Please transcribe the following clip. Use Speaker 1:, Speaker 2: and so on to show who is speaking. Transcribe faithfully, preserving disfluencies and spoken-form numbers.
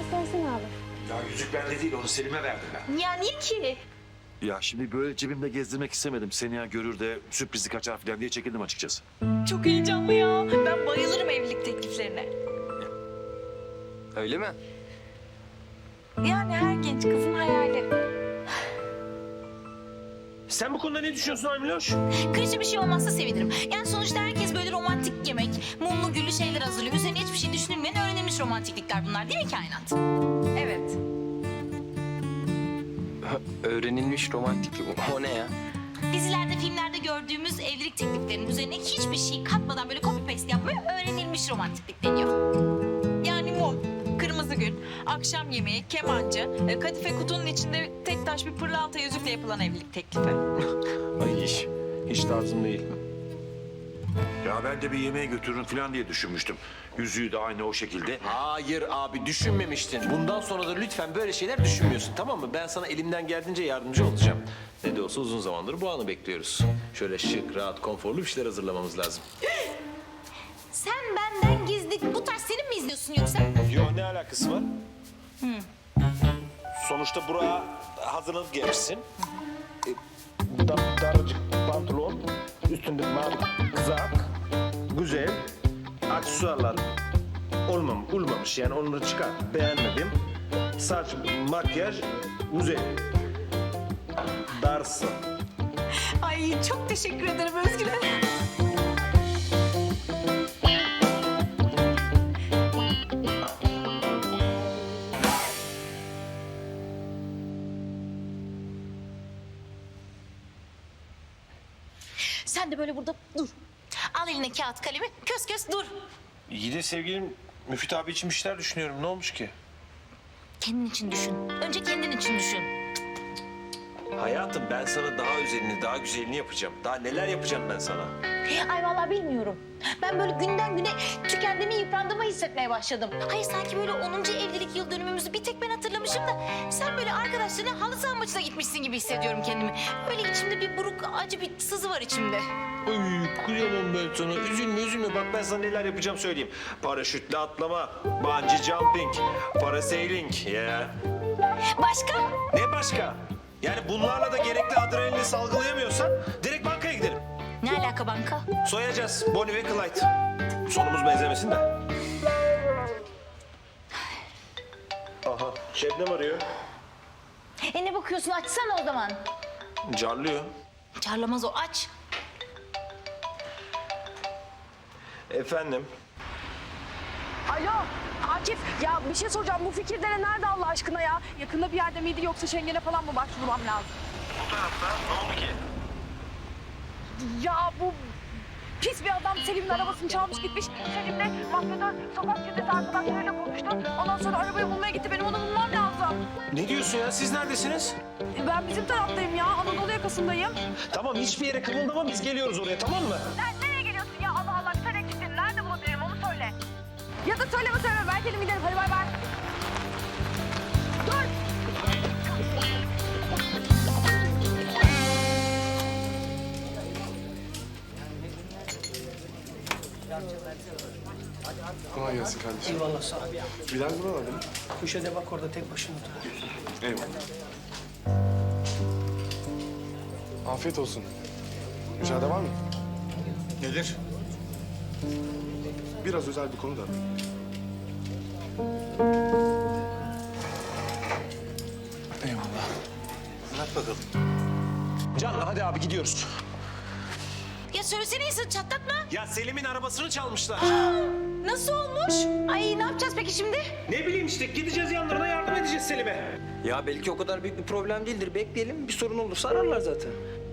Speaker 1: göstersene abi.
Speaker 2: Ya yüzük bende değil, onu Selim'e verdim ben.
Speaker 3: Ya niye ki?
Speaker 2: Ya şimdi böyle cebimde gezdirmek istemedim. Seni ya görür de sürprizi kaçar falan diye çekindim açıkçası.
Speaker 3: Çok heyecanlı ya. Ben bayılırım evlilik tekliflerine.
Speaker 4: Öyle mi?
Speaker 3: Yani her genç kızın hayali.
Speaker 5: Sen bu konuda ne düşünüyorsun Aymiloş?
Speaker 3: Kırıcı bir şey olmazsa sevinirim. Yani sonuçta herkes böyle romantik yemek, mumlu güllü şeyler hazırlıyor. Üzerine hiçbir şey düşünülmeyen öğrenilmiş romantiklikler bunlar değil mi kainat? Evet.
Speaker 4: Öğrenilmiş romantiklik. O ne ya?
Speaker 3: Dizilerde, filmlerde gördüğümüz evlilik tekliflerinin üzerine hiçbir şey katmadan böyle copy paste yapmaya öğrenilmiş romantiklik deniyor.
Speaker 6: Yani mum, kırmızı gül, akşam yemeği, kemancı, e, kadife kutunun içinde tek taş bir pırlanta yüzükle yapılan evlilik teklifi.
Speaker 5: Ay hiç, hiç tarzım değil.
Speaker 2: Ya ben de bir yemeğe götürürüm falan diye düşünmüştüm. Yüzüğü de aynı o şekilde.
Speaker 5: Hayır abi düşünmemiştin. Bundan sonra da lütfen böyle şeyler düşünmüyorsun tamam mı? Ben sana elimden geldiğince yardımcı olacağım. Ne de olsa uzun zamandır bu anı bekliyoruz. Şöyle şık, rahat, konforlu bir şeyler hazırlamamız lazım.
Speaker 3: Sen benden gizli bu tarz senin mi izliyorsun yoksa?
Speaker 5: Yok ne alakası var? Sonuçta buraya hazırlanıp gelmişsin. E, dar, daracık pantolon, üstünde mavi kızak, güzel, aksesuarlar olmam, olmamış yani onları çıkar. Beğenmedim. Saç, makyaj, güzel. Darsın.
Speaker 3: Ay çok teşekkür ederim Özgür. Sen de böyle burada dur. Al eline kağıt kalemi, kös kös dur.
Speaker 5: İyi de sevgilim, Müfit abi için bir şeyler düşünüyorum. Ne olmuş ki?
Speaker 3: Kendin için düşün. Önce kendin için düşün.
Speaker 5: Hayatım ben sana daha özelini, daha güzelini yapacağım. Daha neler yapacağım ben sana?
Speaker 3: Ay vallahi bilmiyorum. Ben böyle günden güne tükendiğimi, yıprandığımı hissetmeye başladım. Hayır sanki böyle onuncu evlilik yıl dönümümüzü bir tek ben hatırlamışım da... ...sen böyle arkadaşlarına halı saha maçına gitmişsin gibi hissediyorum kendimi. Öyle içimde bir buruk, acı bir sızı var içimde.
Speaker 5: Ay kıyamam ben sana. Üzülme üzülme. Bak ben sana neler yapacağım söyleyeyim. Paraşütle atlama, bungee jumping, parasailing. Ya.
Speaker 3: Başka?
Speaker 5: Ne başka? Yani bunlarla da gerekli adrenalini salgılayamıyorsan direkt bankaya gidelim.
Speaker 3: Ne alaka banka?
Speaker 5: Soyacağız Bonnie ve Clyde. Sonumuz benzemesin de. Aha Şebnem arıyor.
Speaker 3: E ne bakıyorsun? Açsana o zaman.
Speaker 5: Carlıyor.
Speaker 3: Çarlamaz o, aç.
Speaker 5: Efendim?
Speaker 1: Alo Akif, ya bir şey soracağım. Bu Fikirdere nerede Allah aşkına ya? Yakında bir yerde miydi yoksa Şengen'e falan mı başvurmam lazım?
Speaker 5: Bu tarafta ne oldu ki?
Speaker 1: Ya bu pis bir adam Selim'in arabasını çalmış gitmiş. Selim de mafyatör sokak çetesi arkadaşlarıyla konuştu. Ondan sonra arabayı bulmaya gitti. Benim onu bulmam lazım.
Speaker 5: Ne diyorsun ya? Siz neredesiniz?
Speaker 1: Ben bizim taraftayım ya. Anadolu yakasındayım.
Speaker 5: Tamam hiçbir yere kımıldama biz geliyoruz oraya tamam mı?
Speaker 1: Sen nereye geliyorsun ya? Allah Allah sen eksiksin. Nerede bulabilirim onu söyle. Ya da söyleme söyleme. Ben kendim giderim. Hadi bay bay. Dur.
Speaker 7: Kolay gelsin kardeşim.
Speaker 8: Eyvallah sağ ol.
Speaker 7: Bilal buralarda mı?
Speaker 8: Köşede bak orada tek başına oturuyor.
Speaker 7: Eyvallah. Afiyet olsun. Müsaade var mı?
Speaker 9: Nedir?
Speaker 7: Biraz özel bir konu da. Eyvallah.
Speaker 5: Anlat bakalım. Can hadi abi gidiyoruz.
Speaker 3: Ya söylesene insan, çatlatma.
Speaker 5: Ya Selim'in arabasını çalmışlar.
Speaker 3: Nasıl olmuş? Ay ne yapacağız peki şimdi?
Speaker 5: Ne bileyim işte gideceğiz yanlarına yardım edeceğiz Selim'e.
Speaker 4: Ya belki o kadar büyük bir problem değildir. Bekleyelim. Bir sorun olursa ararlar zaten.